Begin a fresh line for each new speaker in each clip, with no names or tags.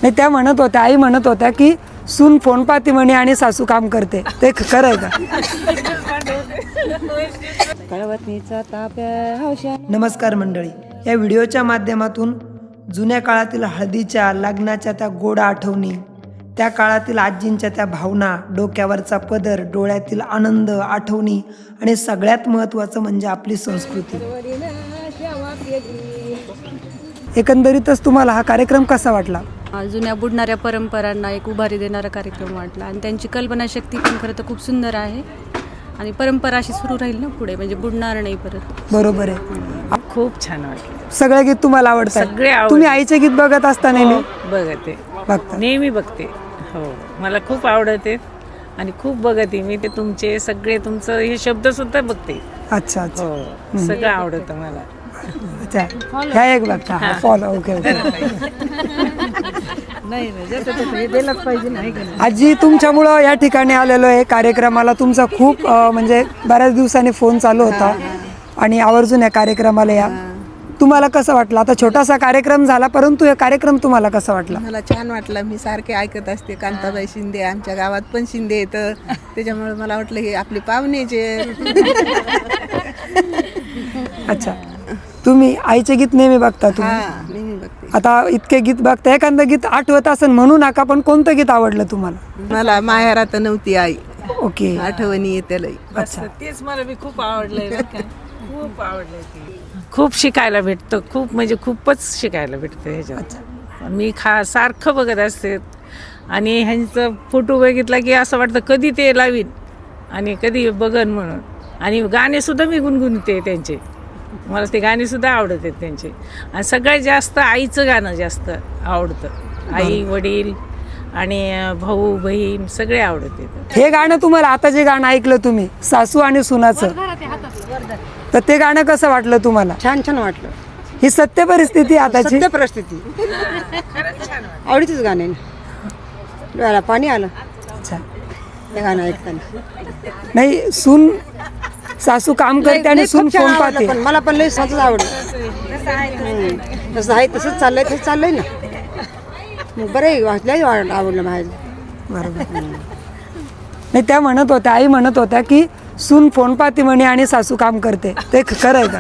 नाही, त्या म्हणत होत्या, आई म्हणत होत्या की सून फोन पाहते म्हणे आणि सासू काम करते, ते खरं आहे का? नमस्कार मंडळी, या व्हिडिओच्या माध्यमातून जुन्या काळातील हळदीच्या लग्नाच्या त्या गोड आठवणी, त्या काळातील आजींच्या त्या भावना, डोक्यावरचा पदर, डोळ्यातील आनंद, आठवणी आणि सगळ्यात महत्त्वाचं म्हणजे आपली संस्कृती. एकंदरीतच तुम्हाला हा कार्यक्रम कसा वाटला?
जुन्या बुडणाऱ्या परंपरांना एक उभारी देणारा कार्यक्रम वाटला आणि त्यांची कल्पनाशक्ती पण खरं तर खूप सुंदर आहे आणि परंपरा अशी सुरू राहील ना पुढे, म्हणजे बुडणार नाही परत.
बरोबर आहे.
खूप छान वाटलं.
सगळे गीत तुम्हाला आवडतात?
सगळे आवडतात.
तुम्ही आईचे गीत बघत असता नेहमी?
बघते,
बघता?
नेहमी बघते. हो, मला खूप आवडते आणि खूप बघते मी. ते तुमचे सगळे, तुमचं हे शब्द सुद्धा बघते.
अच्छा अच्छा.
हो, सगळं आवडतं मला.
अच्छा, ह्या एक बघता. फॉलो. Okay okay. आजी, तुमच्यामुळं या ठिकाणी आलेलो आहे कार्यक्रमाला. तुमचा खूप म्हणजे बऱ्याच दिवसांनी फोन चालू होता आणि आवर्जून या कार्यक्रमाला या. तुम्हाला कसं वाटलं? आता छोटासा कार्यक्रम झाला, परंतु हे कार्यक्रम तुम्हाला कसा वाटला?
मला छान वाटलं. मी सारखे ऐकत असते कांताबाई शिंदे, आमच्या गावात पण शिंदे येतं, त्याच्यामुळे मला वाटलं हे आपले पाहुणेचे.
अच्छा, तुम्ही आईचे गीत नेहमी बघता तुम्ही?
नेहमी बघते.
आता इतके गीत बघता, एखादं गीत आठवत असेल म्हणू नका, पण कोणतं गीत आवडलं तुम्हाला?
मला माहेरात नव्हती आई,
ओके.
आठवणी येते लई.
अच्छा.
तेच मला बी खूप आवडलंय बरं का. खूप आवडलंय ते. खूप शिकायला भेटतं, खूप म्हणजे खूपच शिकायला भेटतं ह्याच्यात. मी सारखं बघत असते आणि ह्यांचं फोटो बघितला की असं वाटतं कधी ते लावीन आणि कधी बघन म्हणून. आणि गाणेसुद्धा मी गुणगुणते त्यांचे. मला ते गाणेसुद्धा आवडत आहेत त्यांचे. आणि सगळ्यात जास्त आईचं गाणं जास्त आवडतं. आई, वडील आणि भाऊ बहीण सगळे आवडते.
हे गाणं तुम्हाला, आता जे गाणं ऐकलं तुम्ही सासू आणि सुनाचं, तर ते गाणं कसं वाटलं तुम्हाला?
छान छान वाटलं.
ही सत्य परिस्थिती आताची.
सत्य परिस्थिती. आवडीचंच गाणे, डोळ्याला पाणी आलं.
अच्छा.
ते गाणं ऐकताना.
नाही, सून सासू काम करते आणि सून
खूप छान
फोन
आवडलं,
पाहते.
पण मला पण लई साचच आवडलं. तसं आहे, तसंच चाललंय, तसंच चाललंय ना. मग बरं आहे, लई आवडलं माझ्या.
बरोबर. नाही, त्या म्हणत होत्या, आई म्हणत होत्या की सून फोन पाहते म्हणे आणि सासू काम करते, ते खरं आहे का?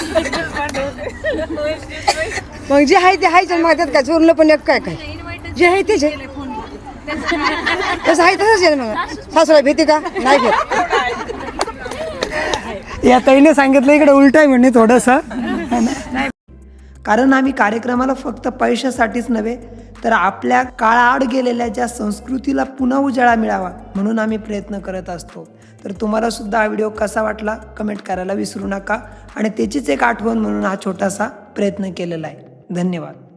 मग जे आहे ते आहे, मग त्यात काय चोरलं पण एक काय काय जे आहे तेच आहे. तसं आहे तसंच आहे. मग सासूला भीती का? नाही भेट.
या ताईने सांगितलं इकडे उलट आहे म्हणे थोडंसं. कारण आम्ही कार्यक्रमाला फक्त पैशासाठीच नव्हे, तर आपल्या काळाआड गेलेल्या ज्या संस्कृतीला पुन्हा उजाळा मिळावा म्हणून आम्ही प्रयत्न करत असतो. तर तुम्हाला सुद्धा हा व्हिडिओ कसा वाटला कमेंट करायला विसरू नका. आणि त्याचीच एक आठवण म्हणून हा छोटासा प्रयत्न केलेला आहे. धन्यवाद.